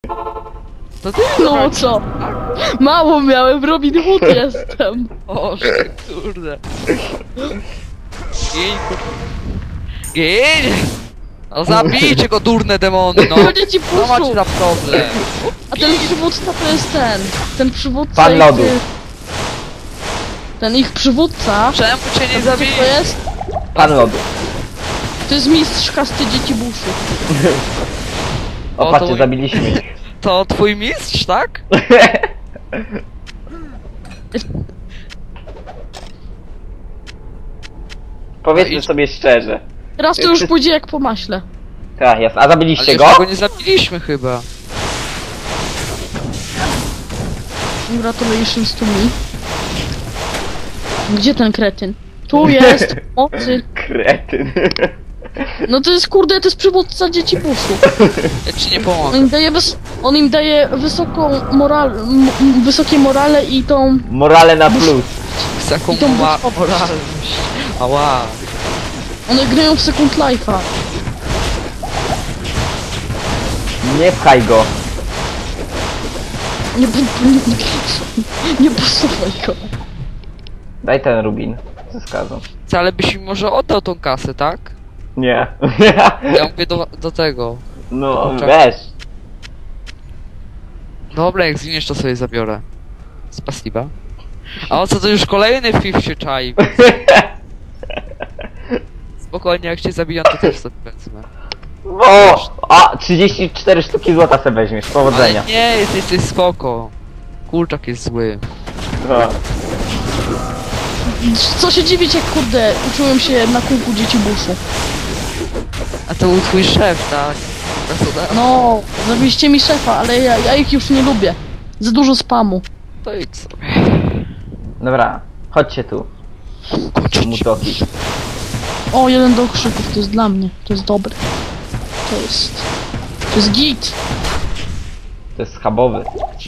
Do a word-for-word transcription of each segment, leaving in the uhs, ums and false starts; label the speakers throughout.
Speaker 1: To ty
Speaker 2: No co? Mało miałem, Robin Hood jestem.
Speaker 1: O, kurde. Gin, kurde. Gin! No zabijcie go, durne demony, no!
Speaker 2: Będzie ci
Speaker 1: Co macie
Speaker 2: puszu.
Speaker 1: za problem?
Speaker 2: A ten przywódca to jest ten. Ten przywódca
Speaker 3: Pan
Speaker 2: ich-
Speaker 3: lodu.
Speaker 2: Ten ich przywódca.
Speaker 1: Czemu cię nie
Speaker 2: Wiecie,
Speaker 1: zabije?
Speaker 2: kto jest?
Speaker 3: Pan lodu.
Speaker 2: To jest mistrz kasty dzieci buszu.
Speaker 3: O,
Speaker 1: O,
Speaker 3: patrzcie,
Speaker 1: to-
Speaker 3: zabiliśmy ich.
Speaker 1: To twój mistrz, tak?
Speaker 3: Powiedzmy
Speaker 1: No i-
Speaker 3: sobie szczerze.
Speaker 2: Teraz to już pójdzie jak po maśle.
Speaker 3: Tak, jasne. A
Speaker 1: Ale
Speaker 3: zabiliście
Speaker 1: jeszcze
Speaker 3: go?
Speaker 1: go nie zabiliśmy chyba.
Speaker 2: Congratulations to me. Gdzie ten kretyn? Tu jest, mocy.
Speaker 3: Kretyn.
Speaker 2: No to jest kurde, to jest przywódca dzieci buszu.
Speaker 1: Ja ci nie
Speaker 2: On
Speaker 1: pomogę.
Speaker 2: im daje, wys on im daje wysoką moral, m wysokie morale i tą...
Speaker 3: Morale na plus.
Speaker 1: Z jaką
Speaker 2: I tą
Speaker 1: ma
Speaker 2: busz-
Speaker 1: moralność. Ała.
Speaker 2: One grają w Second Life'a.
Speaker 3: Nie pchaj go.
Speaker 2: Nie, nie, nie, nie posuwaj go.
Speaker 3: Daj ten rubin. Ze skazą.
Speaker 1: Ale byś mi może oddał tą kasę, tak?
Speaker 3: Nie.
Speaker 1: Ja mówię do, do tego.
Speaker 3: No,
Speaker 1: Czekaj.
Speaker 3: weź.
Speaker 1: Dobra, jak zginiesz, to sobie zabiorę. Z pasiva. A o co, to już kolejny fif się czai. Spokojnie, jak cię zabiją, to też sobie wezmę.
Speaker 3: O! A, trzydzieści cztery sztuki złota se weźmiesz. Powodzenia.
Speaker 1: Ale nie, jesteś, jesteś spoko. Kurczak jest zły.
Speaker 3: No.
Speaker 2: Co się dziwić, jak kurde, uczyłem się na kółku dzieci buszu.
Speaker 1: A to był twój szef, tak? Krasnodar?
Speaker 2: No, zabiliście mi szefa, ale ja, ja ich już nie lubię. Za dużo spamu.
Speaker 1: To idź sobie.
Speaker 3: Dobra, chodźcie tu. Mutoki.
Speaker 2: O, jeden do krzyków, to jest dla mnie. To jest dobre. To jest... To jest git.
Speaker 3: To jest schabowy.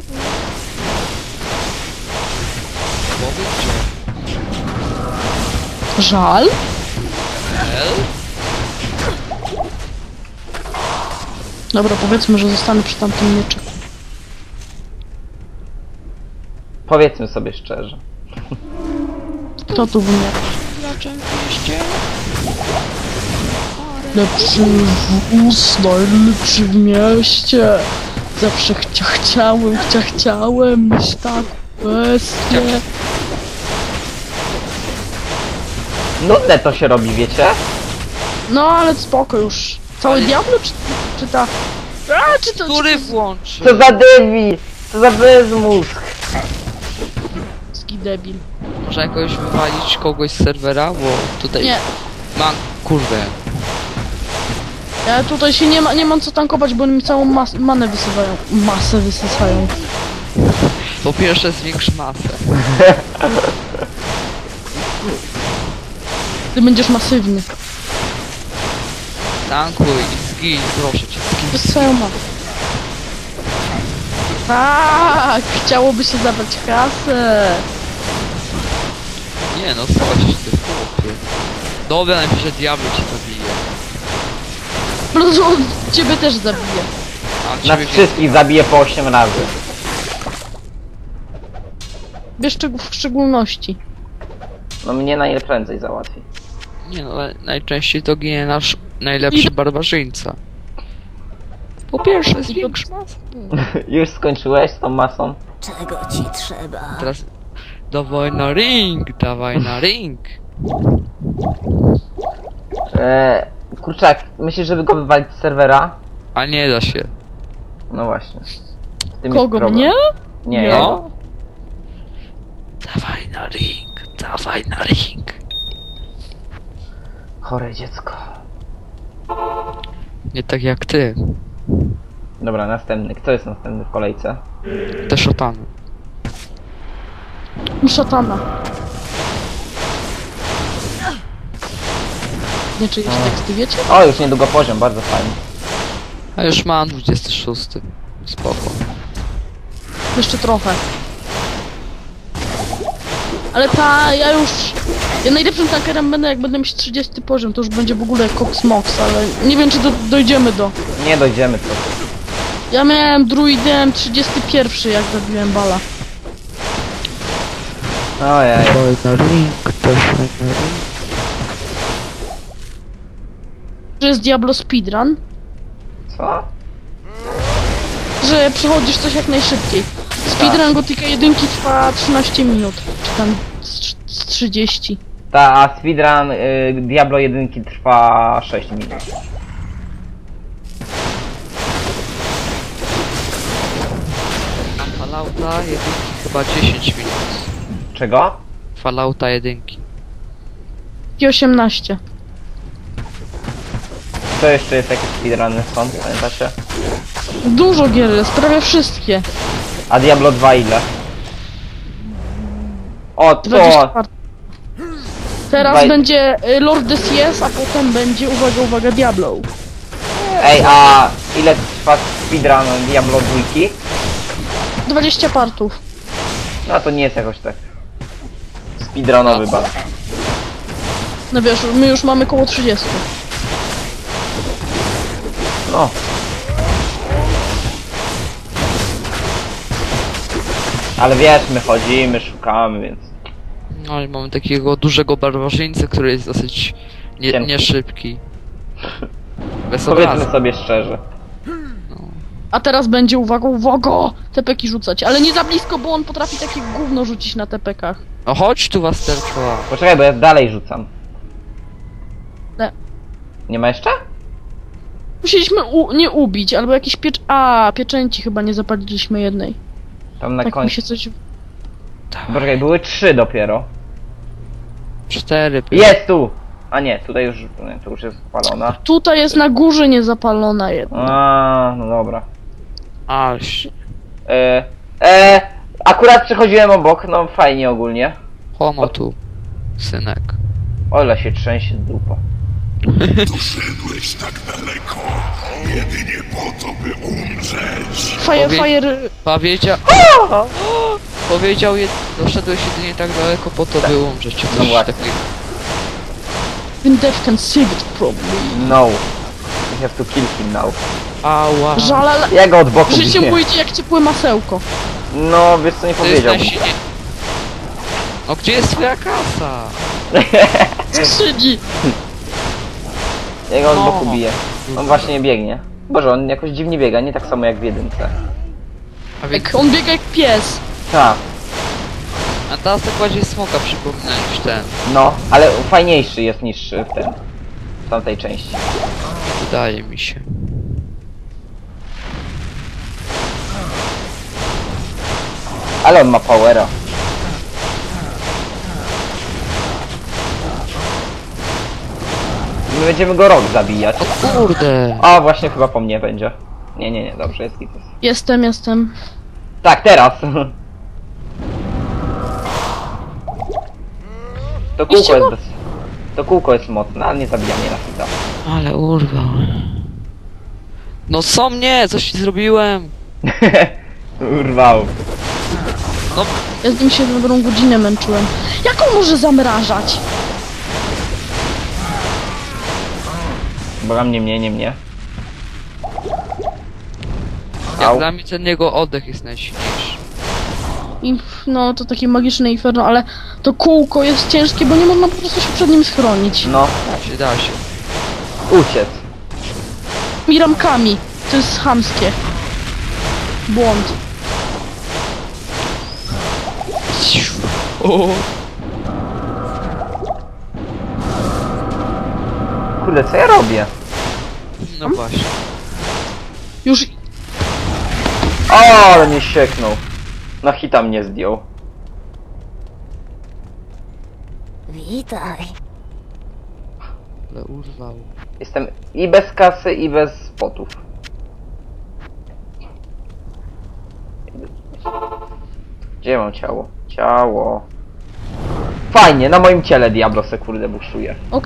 Speaker 2: Żal? Dobra, powiedzmy, że zostanę przy tamtym mieczyku.
Speaker 3: Powiedzmy sobie szczerze.
Speaker 2: Kto tu wymiar? Lepszy wóz, najlepszy w mieście. Zawsze chcia, chciałem, chcia, chciałem mieć tak bestie.
Speaker 3: Nudne to się robi, wiecie?
Speaker 2: No ale spoko już. Cały
Speaker 1: Ale-
Speaker 2: Diablo czy, czy ta... A, czy to...
Speaker 1: Który
Speaker 2: czy
Speaker 1: włączy?
Speaker 3: Co za debil! Co za bezmózg!
Speaker 2: to debil.
Speaker 1: Można jakoś wywalić kogoś z serwera, bo tutaj
Speaker 2: Nie,
Speaker 1: mam, kurde.
Speaker 2: ja tutaj się nie, ma, nie mam co tankować, bo oni mi całą mas manę wysywają. Masę wysysają.
Speaker 1: Po pierwsze zwiększ masę.
Speaker 2: Ty będziesz masywny.
Speaker 1: Tankuj i zgin, proszę cię, zgin.
Speaker 2: Wysysają manę. Tak, chciałoby się zabrać kasę.
Speaker 1: Nie no, coś ty chłopie. Dobra, najpierw Diablo cię zabije.
Speaker 2: No to on ciebie też zabije.
Speaker 1: A
Speaker 3: Nas
Speaker 1: ciebie
Speaker 3: wszystkich zabije po osiem razy.
Speaker 2: Wiesz czego w szczególności.
Speaker 3: No mnie najprędzej załatwi.
Speaker 1: Nie no, ale najczęściej to ginie nasz najlepszy
Speaker 2: I-
Speaker 1: barbarzyńca. Po pierwsze zwiększ masę.
Speaker 3: Już skończyłeś z tą masą?
Speaker 4: Czego ci trzeba?
Speaker 1: Teraz dawaj na ring, dawaj na ring.
Speaker 3: Eee, kurczak, myślisz, żeby go wywalić z serwera?
Speaker 1: A nie da się.
Speaker 3: No właśnie. Z tym jest
Speaker 2: Kogo,
Speaker 3: problem.
Speaker 2: mnie?
Speaker 3: Nie,
Speaker 2: No.
Speaker 3: jego.
Speaker 1: Dawaj na ring, dawaj na ring.
Speaker 3: Chore dziecko.
Speaker 1: Nie tak jak ty.
Speaker 3: Dobra, następny. Kto jest następny w kolejce?
Speaker 1: Te szotany.
Speaker 2: Szatana. Nie czyjeś teksty, wiecie?
Speaker 3: O, już niedługo poziom, bardzo fajnie.
Speaker 1: A już mam dwudziesty szósty. Spoko.
Speaker 2: Jeszcze trochę. Ale ta, ja już... Ja najlepszym tankerem będę, jak będę mieć trzydziesty poziom, to już będzie w ogóle Cox Mox, ale nie wiem, czy do, dojdziemy do...
Speaker 3: Nie dojdziemy tu.
Speaker 2: Ja miałem druidem trzydziesty pierwszy, jak zabiłem bala.
Speaker 3: Ojej.
Speaker 1: Fajna link, to fajna link.
Speaker 2: Że jest Diablo speedrun,
Speaker 3: Co?
Speaker 2: że przechodzisz coś jak najszybciej. Speedrun Gothica jeden trwa trzynaście minut, czy tam z, z trzydzieści.
Speaker 3: Ta, a speedrun y, Diablo jeden trwa sześć minut.
Speaker 1: A Fallouta jedynki chyba dziesięć minut.
Speaker 3: Czego?
Speaker 1: Fallouta jedynki.
Speaker 2: I osiemnaście.
Speaker 3: Co jeszcze jest, jakie speedruny są, pamiętacie?
Speaker 2: Dużo gier jest, prawie wszystkie.
Speaker 3: A Diablo dwa ile? O,
Speaker 2: dwadzieścia
Speaker 3: to!
Speaker 2: part. Teraz
Speaker 3: Dwaj-
Speaker 2: będzie y, Lord Des Yes, a potem będzie, uwaga, uwaga, Diablo.
Speaker 3: Ej, a ile trwa speedrun Diablo dwa?
Speaker 2: dwadzieścia partów.
Speaker 3: No to nie jest jakoś tak speedrunowy bardzo.
Speaker 2: No wiesz, my już mamy koło trzydzieści.
Speaker 3: No. Ale wiesz, my chodzimy, szukamy, więc...
Speaker 1: No i mamy takiego dużego barbarzyńcę, który jest dosyć nie,
Speaker 3: Cienki.
Speaker 1: nieszybki. Bez
Speaker 3: Powiedzmy
Speaker 1: obrazu.
Speaker 3: sobie szczerze.
Speaker 2: A teraz będzie, uwaga, uwaga, tepeki rzucać. Ale nie za blisko, bo on potrafi takie gówno rzucić na tepekach.
Speaker 1: No chodź tu was tylko.
Speaker 3: Poczekaj, bo ja dalej rzucam.
Speaker 2: Nie.
Speaker 3: Nie ma jeszcze?
Speaker 2: Musieliśmy u nie ubić, albo jakieś piecz... A, pieczęci chyba nie zapaliliśmy jednej.
Speaker 3: Tam na
Speaker 2: Tak mi
Speaker 3: końcu.
Speaker 2: się coś...
Speaker 3: Poczekaj, były trzy dopiero.
Speaker 1: Cztery.
Speaker 3: Jest tu! A nie, tutaj już, nie, to już jest spalona.
Speaker 2: Tutaj jest na górze niezapalona jedna.
Speaker 3: A, no dobra.
Speaker 1: Aż.
Speaker 3: E, e, akurat przechodziłem obok, no fajnie ogólnie.
Speaker 1: Homo tu. Synek.
Speaker 3: Ola się trzęsie dupa.
Speaker 5: Doszedłeś tak daleko, jedynie po to, by umrzeć.
Speaker 2: Fire,
Speaker 1: Powie-
Speaker 2: fire...
Speaker 1: Powiedział... Powiedział, jed... doszedłeś jedynie tak daleko po to, by umrzeć. Czy
Speaker 3: No
Speaker 1: coś
Speaker 3: właśnie.
Speaker 1: takiego.
Speaker 2: Even death can save it probably.
Speaker 3: No. We have to kill him now.
Speaker 1: Ała.
Speaker 2: Żal, ale...
Speaker 3: Ja go od boku
Speaker 2: Życie
Speaker 3: biję.
Speaker 2: mu idzie jak ciepłe masełko.
Speaker 3: No, wiesz co nie
Speaker 1: To jest
Speaker 3: powiedział.
Speaker 1: najsilniej... No gdzie jest twoja kasa?
Speaker 2: Skrzydzi.
Speaker 3: Ja go od
Speaker 1: No.
Speaker 3: boku biję. On właśnie biegnie. Boże, on jakoś dziwnie biega, nie tak samo jak w jedynce.
Speaker 1: A więc...
Speaker 2: Jak on biega jak pies.
Speaker 3: Tak,
Speaker 1: A teraz tak bardziej smoka przypomina niż ten.
Speaker 3: no, ale fajniejszy jest niż w ten. W tamtej części.
Speaker 1: Wydaje mi się.
Speaker 3: Ale on ma powera. My będziemy go rok zabijać.
Speaker 1: O kurde.
Speaker 3: A, właśnie chyba po mnie będzie. Nie, nie, nie, dobrze, jest gites.
Speaker 2: Jestem, jestem.
Speaker 3: Tak, teraz! To kółko
Speaker 2: Iście
Speaker 3: jest
Speaker 2: go?
Speaker 3: bez... To kółko jest mocne, ale nie zabija mnie na hita.
Speaker 1: Ale urwał. No co mnie? Coś ci zrobiłem?
Speaker 3: Urwał.
Speaker 1: No,
Speaker 2: Ja z nim się dobrą godzinę męczyłem. Jak on może zamrażać?
Speaker 3: Boga mnie, mnie, nie mnie.
Speaker 1: jak
Speaker 3: Au.
Speaker 1: dla mnie ten jego oddech jest najsilniejszy.
Speaker 2: I, no, to takie magiczne inferno, ale to kółko jest ciężkie, bo nie można po prostu się przed nim schronić.
Speaker 3: No,
Speaker 1: Da się, da się.
Speaker 3: uciec.
Speaker 2: I ramkami. To jest chamskie. Błąd.
Speaker 1: O,
Speaker 3: Kurde, co ja robię?
Speaker 1: no właśnie.
Speaker 2: Już
Speaker 3: O, ale mnie sieknął. Na hita mnie zdjął.
Speaker 4: Witaj.
Speaker 1: Ale urwał.
Speaker 3: Jestem i bez kasy, i bez spotów. Gdzie mam ciało? Ciało. Fajnie, na moim ciele Diablo se kurde buszuje.
Speaker 2: ok.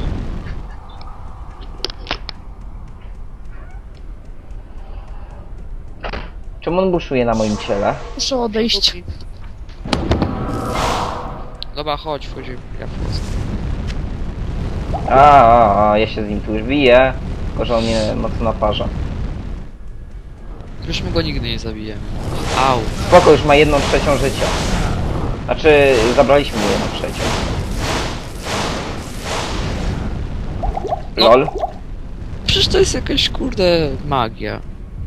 Speaker 3: Czemu on buszuje na moim ciele?
Speaker 2: Muszę odejść.
Speaker 1: Dobra, chodź, wchodzimy. Ja wchodzę.
Speaker 3: A, a, a, ja się z nim tu już biję. Tylko, że on mnie mocno naparza.
Speaker 1: Już my go nigdy nie zabijemy. Au.
Speaker 3: Spoko, już ma jedną trzecią życia. Znaczy, zabraliśmy mu jedną trzecią.
Speaker 1: No.
Speaker 3: Lol.
Speaker 1: Przecież to jest jakaś kurde magia.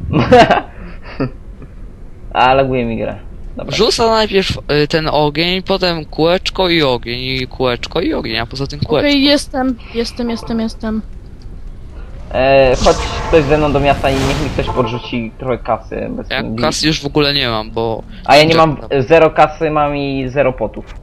Speaker 3: A, laguje mi grę. Dobra.
Speaker 1: Rzuca najpierw y, ten ogień, potem kółeczko i ogień, i kółeczko i ogień, a poza tym
Speaker 2: Okej,
Speaker 1: kółeczko.
Speaker 2: jestem, jestem, jestem, jestem.
Speaker 3: E, chodź ktoś ze mną do miasta i niech mi ktoś podrzuci trochę kasy. Bez
Speaker 1: Ja kasy już w ogóle nie mam, bo...
Speaker 3: A ja nie mam zero kasy, mam i zero potów.